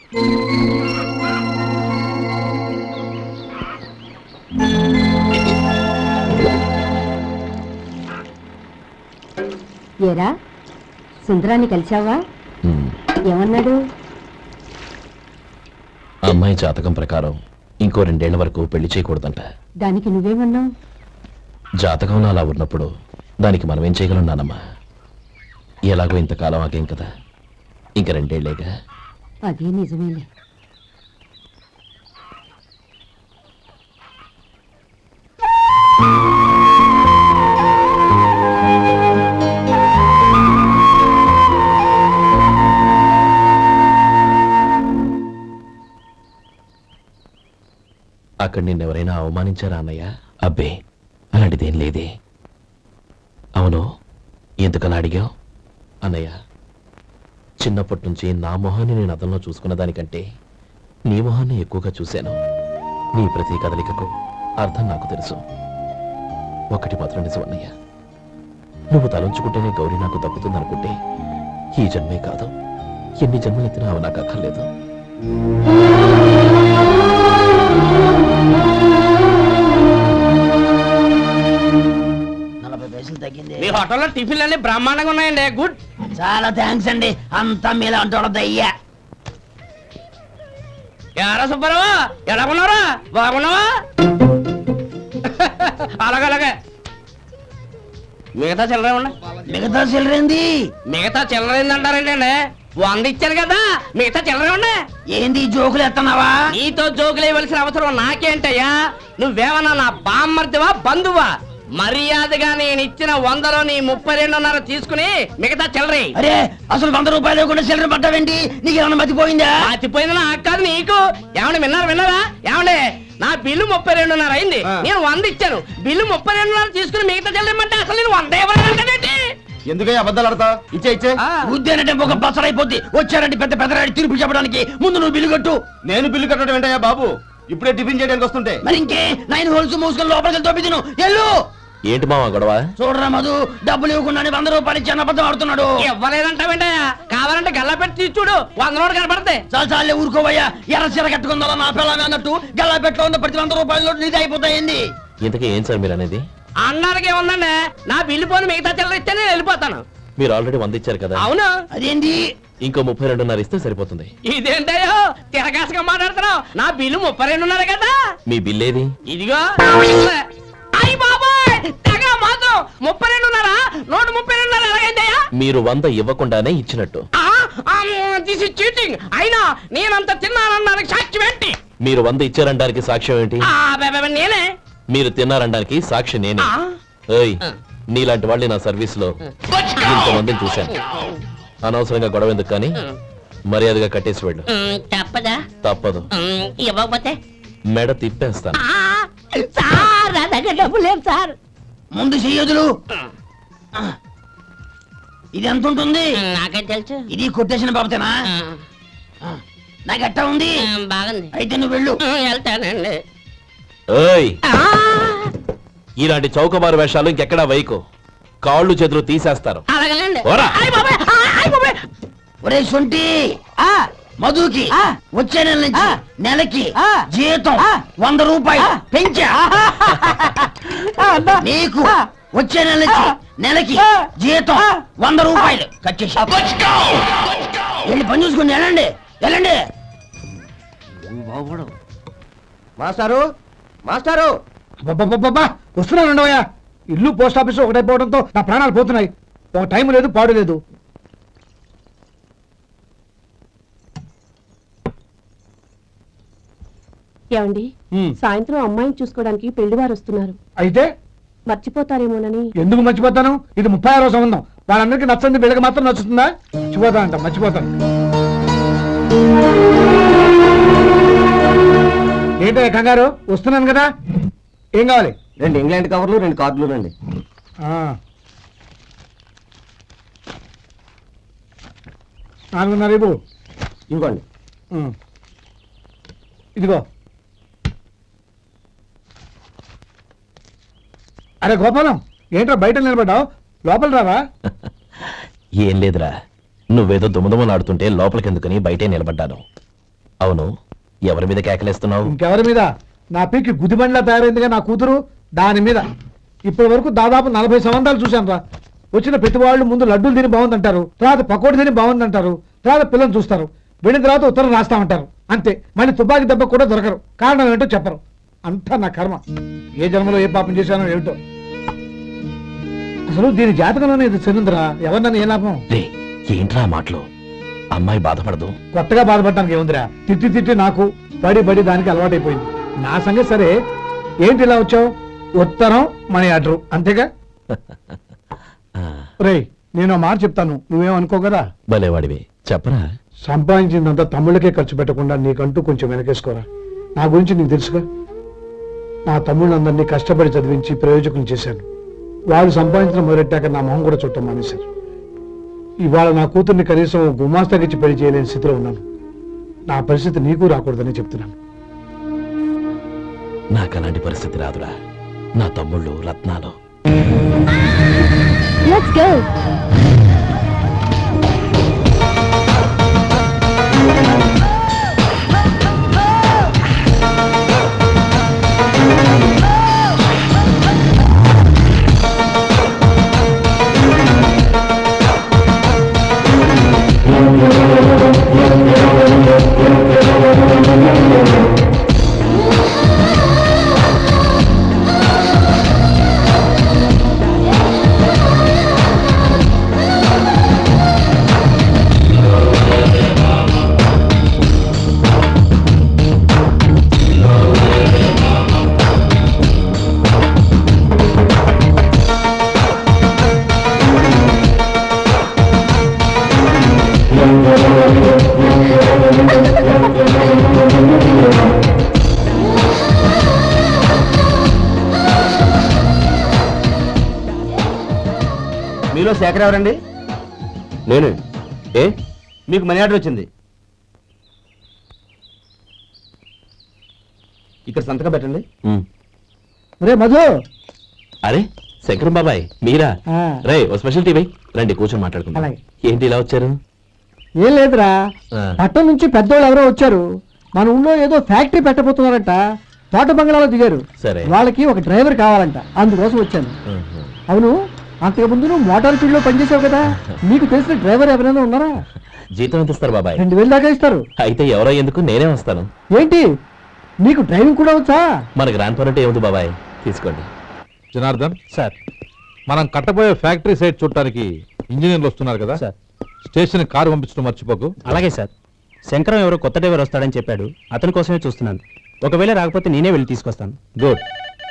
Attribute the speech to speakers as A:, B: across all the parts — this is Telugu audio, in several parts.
A: ఏరా సుందరాన్ని కలిశావా? ఏమన్నాడు?
B: అమ్మాయి జాతకం ప్రకారం ఇంకో 2 ఏళ్ల వరకు పెళ్లి చేయకూడదంట.
A: దానికి నువ్వేమన్నావు?
B: జాతకంలో అలా ఉన్నప్పుడు దానికి మనం ఏం చేయగలం నానమ్మా? ఎలాగో ఇంతకాలం ఆగేం కదా, ఇంక 2 ఏళ్లేగా.
A: అదే నిజమేలే.
B: అక్కడ నిన్నెవరైనా అవమానించారా అన్నయ్య? అబ్బే, అలాంటిదేం లేదే. అవును, ఎందుకలా అడిగావు? అన్నయ్య, చిన్నప్పటి నుంచి నా మొహాన్ని నేను అతనిలో చూసుకున్న దానికంటే నీ మొహాన్ని ఎక్కువగా చూశాను. నీ ప్రతి కదలికకు అర్థం నాకు తెలుసు. ఒకటి మాత్రం నిజం అన్నయ్య, నువ్వు తలంచుకుంటేనే గౌరీ నాకు దక్కుతుందనుకుంటే ఈ జన్మే కాదు, ఎన్ని జన్మలెత్తినా అవి నాకు అక్కర్లేదు.
C: మీ హోటల్లో టిఫిన్లు అన్ని బ్రహ్మాండంగా ఉన్నాయండి. గుడ్,
D: చాలా థ్యాంక్స్ అండి. అంతా మీలా అంటాడయ్యా.
C: ఎరా సుబ్బారావు, ఎలా ఉన్నారా? బాగున్నావా? అలాగే మిగతా చిల్లర ఉన్నాయి.
D: మిగతా చిల్లరేంది?
C: మిగతా చిల్లరేంది అంటారండి అండి? 100 ఇచ్చాను కదా, మిగతా చిల్లరే ఉన్నాయి.
D: ఏంది జోకులు ఎత్తన్నావా?
C: నీతో జోకులు ఇవ్వాల్సిన అవసరం నాకేంటయ్యా? నువ్వేమన్నా నా బామ్మర్దివా, బంధువా? మర్యాదగా నేను ఇచ్చిన 100లో నీ 32.5 తీసుకుని మిగతా చిల్లరే.
D: అరే, అసలు 100 రూపాయలు కూడా చిల్లర పడ్డావేంటి? నీకు ఏమన్నా మతిపోయిందా?
C: మతిపోయింది నాకు కాదు, నీకు. ఏమండి విన్నారా? ఏమండి, నా బిల్లు 32.5 అయింది. నేను 100 ఇచ్చాను. బిల్లు 32.5 తీసుకుని మిగతా చిల్లరమంటే అసలు నేను 100 ఇవ్వాలంటే
E: ఎందుకయ్యా అబద్ధాలు ఆడతా? ఇచ్చే
D: ఉద్యానంటే ఒక బసరైపోద్ది. వచ్చారంటే పెద్ద పెద్దరాడి తీర్పు చెప్పడానికి ముందు నువ్వు బిల్లు కట్టు.
E: నేను బిల్లు కట్టడం ఏంటయ్యా బాబు? ఇప్పుడే టిఫిన్ చేయడానికి వస్తుంటే.
D: మరి ఇంకే 9 హోల్స్ మూసుకొని లోపలికి తోపి తిను. ఎల్లు.
B: ఏంటి మావా గొడవ?
D: చూడరా మధు, డబ్బులు ఇవ్వకుండా 100 రూపాయలు ఇచ్చి అబద్ధం ఆడుతున్నాడు.
C: ఇవ్వలేదంటావేంటయ్యా? కావాలంటే గల్లా పెట్టి తీసి చూడు, 100 నోటు కనపడతాయి.
D: చాలే ఊరుకోవయ్యా. ఎర్ర చీర కట్టుకుందా నా పిల్లలు అన్నట్టు గల్లా పెట్టులో ఉన్న ప్రతి 100 రూపాయలు నీది అయిపోతాయింది.
B: ఇంతకీ ఏం సార్ మీరు అనేది?
C: అన్నారకి ఏముందండి, నా బిల్లు పోని మిగతా చిల్లర ఇస్తే నేను వెళ్ళిపోతాను.
B: మీరు ఆల్రెడీ 100 ఇచ్చారు కదా.
C: అవును.
D: అదేంటి?
B: ఇంకో 32.5 ఇస్తే సరిపోతుంది.
C: ఇదేంటయ్యో తిరగాసుగా మాట్లాడుతున్నావు? నా బిల్లు 32.5 కదా.
B: మీ బిల్ ఏది?
C: ఇదిగో. అయ్య బాబాయ్, తెగ మాత్రం 32.5, 132.5 ఎలాగైందయ్యా?
B: మీరు 100 ఇవ్వకుండానే ఇచ్చినట్టు.
C: This is cheating. అయినా నేనంత తిన్నానన్నానికి సాక్ష్యం ఏంటి?
B: మీరు 100 ఇచ్చారనడానికి సాక్ష్యం ఏంటి?
C: నేనే.
B: మీరు తిన్నారనడానికి సాక్షి నేనే. ఏయ్, నీలాంటి వాళ్ళని నా సర్వీస్ లో ఇంతమందిని చూశాను. అనవసరంగా గొడవ ఎందుకు కానీ మర్యాదగా కట్టేసి వెళ్ళు.
C: తప్పదా?
B: తప్పదు.
C: ఇవ్వకపోతే
B: మెడ తిప్పేస్తాను.
C: సార్, నా దగ్గర డబ్బు లేదు సార్.
D: ముందు చెయ్యదులు. ఇది ఎంత ఉంటుంది?
C: నాకే తెలుసు.
D: ఇది కొట్టేసిన బాబతేనా? నాకు ఎట్టా ఉంది?
C: బాగుంది.
D: అయితే నువ్వు వెళ్ళు.
C: వెళ్తానండి.
B: ఏయ్, ఇలాంటి చౌకబారు వేషాలు ఇంకెక్కడా వైకు. కాళ్ళు చేతులు తీసేస్తారు.
C: అలాగేనండి.
B: ఓరా.
D: ఒరే సొంటి, మధుకి వచ్చే నెల నుంచి నెలకి జీతం 100 రూపాయలు పెంచా. నీకు వచ్చే నెల నుంచి నెలకి జీతం 100 రూపాయలు కట్ చేసి వెళ్ళి పని చూసుకుని వెళ్ళండి. వెళ్ళండి.
E: మాస్టారు, మాస్టారు,
F: వస్తున్నాను. ఇల్లు పోస్ట్ ఆఫీస్ ఒకటైపోవడంతో నా ప్రాణాలు పోతున్నాయి. ఒక టైం లేదు, పాడు లేదు.
A: ఏమండి, సాయంత్రం అమ్మాయిని చూసుకోవడానికి పెళ్లివారు వస్తున్నారు.
F: అయితే
A: మర్చిపోతారేమోనని.
F: ఎందుకు మర్చిపోతాను? ఇది 36వ సంబంధం. వాళ్ళందరికీ నచ్చంది వీళ్ళకి మాత్రం నచ్చుతుందా? మర్చిపోతాను. ఏంటో కంగారు? వస్తున్నాను కదా. ఏం కావాలి?
E: 2 ఇంగ్లాండ్ కవర్లు, 2 కార్డులు రండి.
F: 4.5 ఇవ్వు.
E: ఇవ్వండి.
F: ఇదిగో. అరే గోపాలం, ఏంట్రా బయట నిలబడ్డావు? లోపల రావా?
B: ఏం లేదురా, నువ్వేదో దుమదుమలాడుతుంటే లోపలికెందుకని బయటే నిలబడ్డాను. అవును, ఎవరి మీద కేకలేస్తున్నావు?
F: ఇంకెవరి మీద? నా పీకి గుదిబండ్లా తయారైందిగా నా కూతురు, దాని మీద. ఇప్పటి వరకు దాదాపు 40 సంవత్సరాలు చూశాను రా. వచ్చిన ప్రతి వాళ్ళు ముందు లడ్డూలు తిని బాగుందంటారు, తర్వాత పకోడీ తిని బాగుందంటారు, తర్వాత పిల్లలు చూస్తారు, వెళ్ళిన తర్వాత ఉత్తరం రాస్తామంటారు, అంతే. మళ్ళీ తుపాకీ దెబ్బ కూడా దొరకరు. కారణం ఏంటో చెప్పరు. అంతా నా కర్మ. ఏ జన్మలో ఏ పాపం చేశానో ఏమిటో. అసలు దీని జాతకంలోనే ఇది చెందుందిరా. ఎవరినన్నా ఏ లాభం?
B: రే, ఏంట్రా ఆ మాటలు? అమ్మాయి బాధపడదు.
F: కొత్తగా బాధపడటానికి ఏముందిరా? తిట్టి తిట్టి నాకు బడి దానికి అలవాటైపోయింది. నా సంగతి సరే, ఏంటి ఇలా వచ్చావు? ఉత్తరం, మనీ ఆర్డర్, అంతేగా? రేయ్, నేను మాట చెప్తాను, నువ్వేమనుకో కదా.
B: భలేవాడివి, చెప్పరా.
F: సంపాదించిందంతా తమ్ముళ్ళకే ఖర్చు పెట్టకుండా నీకంటూ కొంచెం వెనకేసుకోరా. నా గురించి నీకు తెలుసుగా. నా తమ్ముళ్ళందరినీ కష్టపడి చదివించి ప్రయోజకులు చేశాను. వాళ్ళు సంపాదించడం మొదలెట్టాక నా మొహం కూడా చుట్టం మానేశారు. ఇవాళ నా కూతుర్ని కనీసం గుమాస్తాకిచ్చి పెళ్లి చేయలేని స్థితిలో ఉన్నాను. నా పరిస్థితి నీకు రాకూడదని చెప్తున్నాను.
B: నాకు అలాంటి పరిస్థితి రాదురా. నా తమ్ముళ్ళు రత్నాలు.
A: Let's go.
E: మీలో శేఖర్ ఎవరండి?
B: నేను. ఏ?
E: మీకు మనీ ఆర్డర్ వచ్చింది. ఇక్కడ సంతకం పెట్టండి.
F: రే మధు.
B: అరే శంకరం బాబాయ్, మీరా?
F: ఆ.
B: రే, ఓ స్పెషల్ టీవీ రండి, కూర్చొని మాట్లాడుకుందాం.
F: అలాగే.
B: ఏంటి ఇలా వచ్చారు?
F: ఏం లేదురా,
B: ఆ.
F: పట్టణం నుంచి పెద్దోళ్ళు ఎవరో వచ్చారు. మన ఊళ్ళో ఏదో ఫ్యాక్టరీ పెట్టబోతున్నారంట. తోట బంగ్లాలో దిగారు.
B: సరే.
F: వాళ్ళకి ఒక డ్రైవర్ కావాలంట, అందుకోసం వచ్చాను.
B: ఆహా.
F: అవును, అంతకుముందు నువ్వు మోటార్ ఫీల్డ్ లో పనిచేసావు కదా, నీకు తెలిసిన డ్రైవర్ ఎవరైనా ఉన్నారా?
B: జీతం ఎంత ఇస్తారు బాబాయ్?
F: 2000 దాకా ఇస్తారు.
B: అయితే ఎవరో ఎందుకు, నేనే వస్తాను.
F: ఏంటి, నీకు డ్రైవింగ్ కూడా వచ్చా?
B: మన గ్రాండ్ పరంటే ఏముంది బాబాయ్, తీసుకోండి.
G: జనార్దన్ సార్, మనం కట్టబోయే ఫ్యాక్టరీ సైట్ చూడటానికి ఇంజనీర్లు వస్తున్నారు కదా సార్. స్టేషన్ కారు పంపించడం మర్చిపోకు.
H: అలాగే సార్. శంకరం ఎవరో కొత్త డ్రైవర్ వస్తాడని చెప్పాడు, అతని కోసమే చూస్తున్నాను. ఒకవేళ రాకపోతే నేనే వెళ్ళి తీసుకొస్తాను.
G: గుడ్.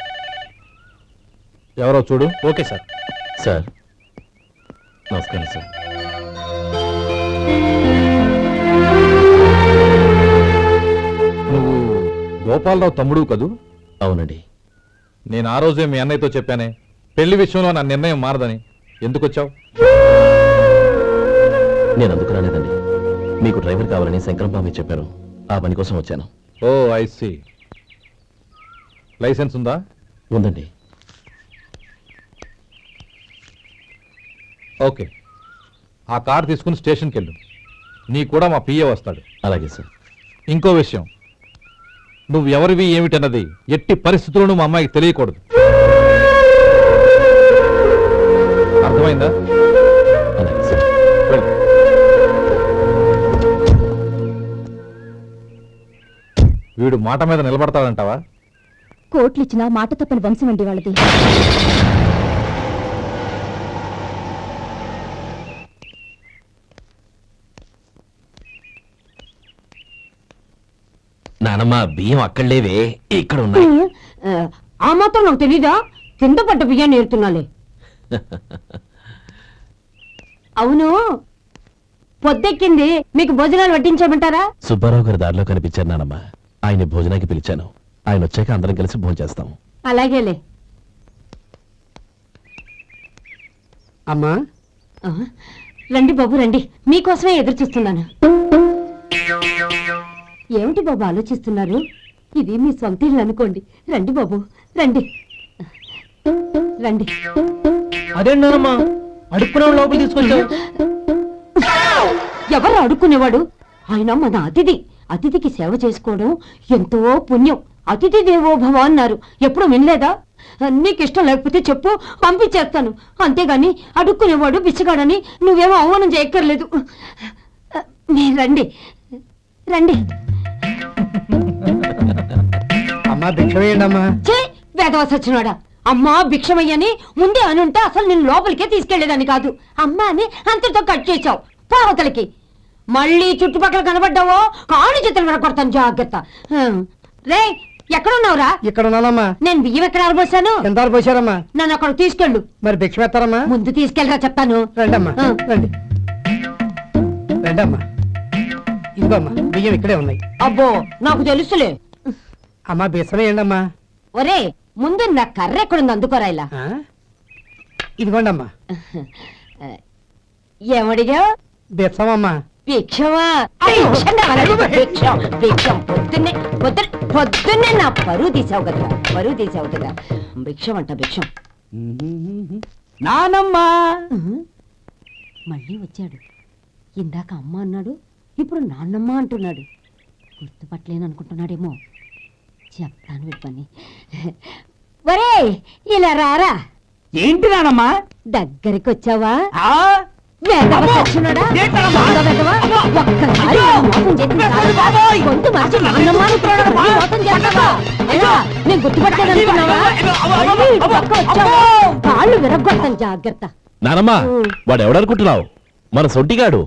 G: ఎవరో చూడు.
H: Okay sir.
B: సార్ నమస్కారం సార్.
G: నువ్వు గోపాలరావు తమ్ముడు కదూ?
B: అవునండి.
G: నేను ఆ రోజే మీ అన్నయ్యతో చెప్పానే, పెళ్లి విషయంలో నా నిర్ణయం మారదని. ఎందుకు వచ్చావు?
B: నేను అందుకు రాలేదండి. మీకు డ్రైవర్ కావాలని శంకరం బాబాయ్ చెప్పారు, ఆ పని కోసం వచ్చాను.
G: ఓ ఐ సీ. లైసెన్స్ ఉందా?
B: ఉందండి.
G: ఓకే, ఆ కార్ తీసుకుని స్టేషన్కి వెళ్ళు. నీ కూడా మా పిఏ వస్తాడు.
B: అలాగే సార్.
G: ఇంకో విషయం, నువ్వు ఎవరివి ఏమిటన్నది ఎట్టి పరిస్థితుల్లోనూ మా అమ్మాయికి తెలియకూడదు. అర్థమైందా?
B: అలాగే సార్.
G: వెళ్ళు. వీడు మాట మీద నిలబడతాడంటావా?
A: కోట్లు ఇచ్చినా మాట తప్పని వంశం అండి వాళ్ళది.
B: నానమ్మ, బియ్యం అక్కడ లేవే, ఇక్కడ ఉన్నాయి.
A: ఆ మాత్రం నాకు తెలీదా? కింద పడ్డ బియ్యాన్ని ఏరుతున్నాలే. అవును, పొద్దెక్కింది, మీకు భోజనాలు వడ్డించమంటారా?
B: సుబ్బారావు గారి దారిలో కనిపించారు నానమ్మ, ఆయన భోజనానికి పిలిచాను. ఆయన వచ్చాక అందరం కలిసి భోజనం చేస్తాం.
A: అలాగేలే.
F: అమ్మా,
A: ఆ, రండి బాబు రండి, మీకోసమే ఎదురు చూస్తున్నాను. ఏమిటి బాబు ఆలోచిస్తున్నారు? ఇది మీ సొంత ఇల్లు అనుకోండి. రండి బాబు రండి రండి.
F: అదేంటమ్మా అడుక్కునే లోపల తీసుకొచ్చావు?
A: ఎవరు అడుక్కునేవాడు? ఆయన మన అతిథి, అతిథికి సేవ చేసుకోవడం ఎంతో పుణ్యం. అతిథి దేవో భవ అన్నారు, ఎప్పుడు వినలేదా? నీకు ఇష్టం లేకపోతే చెప్పు, పంపించేస్తాను. అంతేగాని అడుక్కునేవాడు బిచ్చగాడని నువ్వేమో అవమానం చేయక్కర్లేదు. మీరు రండి రండి.
F: అమ్మా భిక్ష వేయండి అమ్మా.
A: చే వేదవ సచ్చినోడా, అమ్మా భిక్షమయ్యని ముందే అనుంటే అసలు నేను లోపలికే తీసుకెళ్లేదని కాదు. అమ్మా అని అంతటితో కట్ చేశావు పావతలకి. మళ్ళీ చుట్టుపక్కల కనబడ్డావో కాళ్ళు చేతులు వినకొడతాను, జాగ్రత్త. రే ఎక్కడున్నావురా?
F: ఇక్కడ ఉన్నానమ్మా.
A: నేను బియ్యం ఎక్కడ ఆరబోసాను?
F: ఎంత పోసారమ్మా?
A: నన్ను అక్కడ తీసుకెళ్ళు.
F: మరి భిక్ష పెడతారమ్మా?
A: ముందు తీసుకెళ్ళరా చెప్తాను.
F: రండమ్మా రండి. రండమ్మా, ఇదిగోమ్మా బియ్యం ఇక్కడే ఉన్నాయి.
A: అబ్బో నాకు తెలుసులే.
F: అమ్మా బిసం వేయండి అమ్మా.
A: ఒరే ముందు నా కర్ర ఎక్కడుంది, అందుకోరా ఇలా.
F: ఇదిగోండి అమ్మా.
A: ఏమడిగా?
F: బిసం అమ్మా.
A: భిక్షమా? భిక్షం భిక్షం పొద్దున్నే నా పరువు తీసావు కదరా, పరువు తీసావు కదా. భిక్షం అంట భిక్షం.
D: నానమ్మా
A: మళ్ళీ వచ్చాడు. ఇందాక అమ్మ అన్నాడు, ఇప్పుడు నాన్నమ్మ అంటున్నాడు. గుర్తుపట్టలేను అనుకుంటున్నాడేమో. చెప్తాను వీడి పని. ఒరే ఇలా రారా.
D: ఏంటి నానమ్మా?
A: దగ్గరికి వచ్చావా?
D: ఆ?
A: వేదవ సచ్చినోడా, దొంగ వెధవ, ఒక్కసారి మోసం చేసిన చాలు. గొంతు మార్చి నాన్నమ్మ అనుకున్నాడు, మళ్ళీ మోసం చేస్తావా? ఎలా? నేను గుర్తుపట్టలేదనుకున్నావా? మళ్ళీ ఇటు పక్క వచ్చావా? కాళ్ళు విరగ్గొడతాను, జాగ్రత్త.
B: నానమ్మా, వాడు ఎవడనుకుంటున్నావు? మన సొంటిగాడు.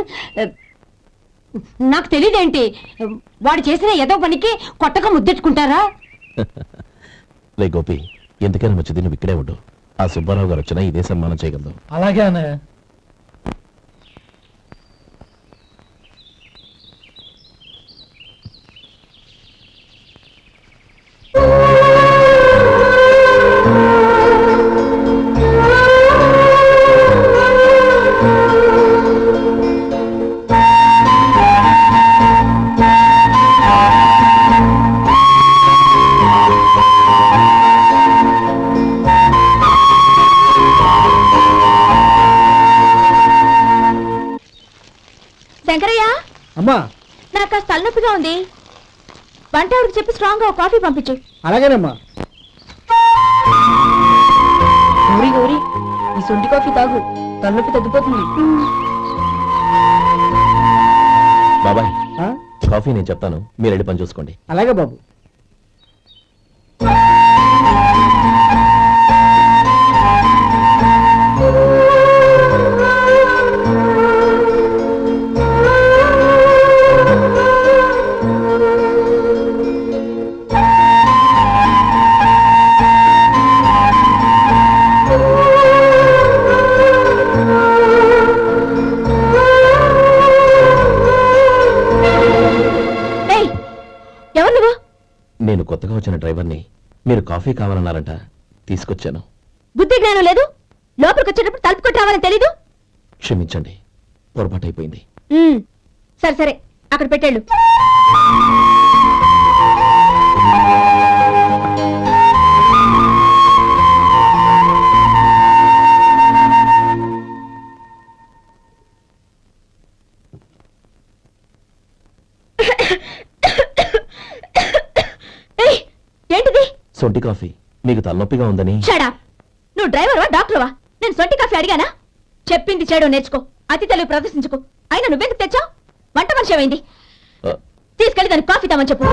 A: నాకు తెలియదేంటి, వాడు చేసిన ఏదో పనికి కొట్టక ముద్దెట్టుకుంటారా?
B: లే గోపి, ఎందుకైనా మంచిది నువ్వు ఇక్కడే ఉండు. ఆ సుబ్బారావు గారు వచ్చినా ఇదే సన్మానం చేయగలదు.
F: అలాగే అన్నయ్య.
A: శంకరయ్య,
F: అమ్మా
A: నాకు కాస్త తలనొప్పిగా ఉంది. వంట ఆవిడకి చెప్పి స్ట్రాంగ్ గా కాఫీ పంపించు.
F: అలాగేనమ్మా.
A: గౌరీ గౌరీ, ఈ సొంటి కాఫీ తాగు, తలనొప్పి తగ్గిపోతుంది.
B: బాబాయ్, కాఫీ నేను చెప్తాను, మీరు రెడీ పని చూసుకోండి.
F: అలాగే బాబు.
B: నేను కొత్తగా వచ్చిన డ్రైవర్ని. మీరు కాఫీ కావాలన్నారంట, తీసుకొచ్చాను.
A: బుద్ధి జ్ఞానం లేదు. లోపలికి వచ్చేటప్పుడు తలుపు కొట్టి రావాలని తెలీదు.
B: క్షమించండి, పొరపాటు అయిపోయింది.
A: సరే సరే, అక్కడ పెట్టేళ్ళు. ఏంటిది?
B: సొంటి కాఫీ. మీకు తలనొప్పిగా ఉందని.
A: షడా, నువ్వు డ్రైవర్వా డాక్టర్వా? నేను సొంటి కాఫీ అడిగానా? చెప్పింది చేయడం నేర్చుకో, అతి తెలివి ప్రదర్శించుకో. అయినా నువ్వెందుకు తెచ్చావు? వంట మనిషి ఏమైంది? తీసుకెళ్ళి దానికి కాఫీ తామని చెప్పు.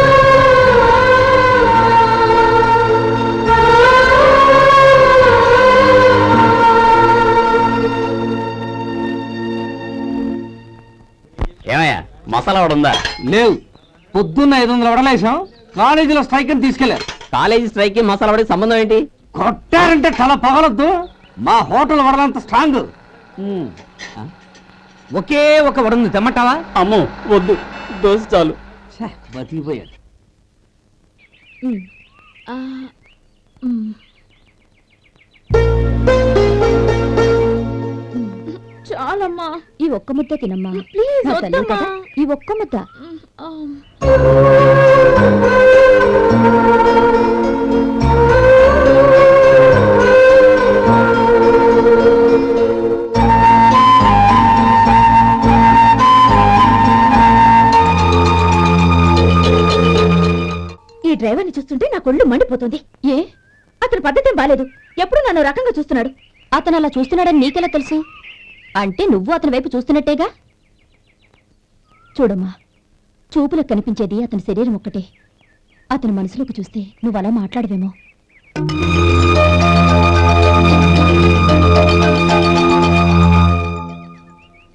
C: ఏమయ్యా, మసాలా వాడు ఉందా?
D: లేవు. పొద్దున్న 500 వడలేసాం, కాలేజీలో స్ట్రైక్ అని తీసుకెళ్లారు.
C: కాలేజీ స్ట్రైక్ కి మసాలా వాడికి సంబంధం ఏంటి?
D: కొట్టారంటే తల పగలొద్దు. మా హోటల్ వడలంత స్ట్రాంగ్. ఒకే ఒక వడుంది, తెమ్మంటావా?
C: అమ్మో వద్దు, దోశ చాలు.
D: బతికిపోయాడు.
A: చాలమ్మా, ఈ ఒక్క ముద్ద తినమ్మా ప్లీజ్. ఈ ఒక్క ముద్ద. డ్రైవర్ని చూస్తుంటే నా కొళ్ళు మండిపోతుంది. ఏ అతని పద్ధతి బాలేదు. ఎప్పుడు నన్ను రకంగా చూస్తున్నాడు. అతను అలా చూస్తున్నాడని నీకెలా తెలుసు? అంటే నువ్వు అతని వైపు చూస్తున్నట్టేగా. చూడమ్మా, చూపులకు కనిపించేది అతని శరీరం ఒక్కటే. అతని మనసులోకి చూస్తే నువ్వు అలా మాట్లాడవేమో.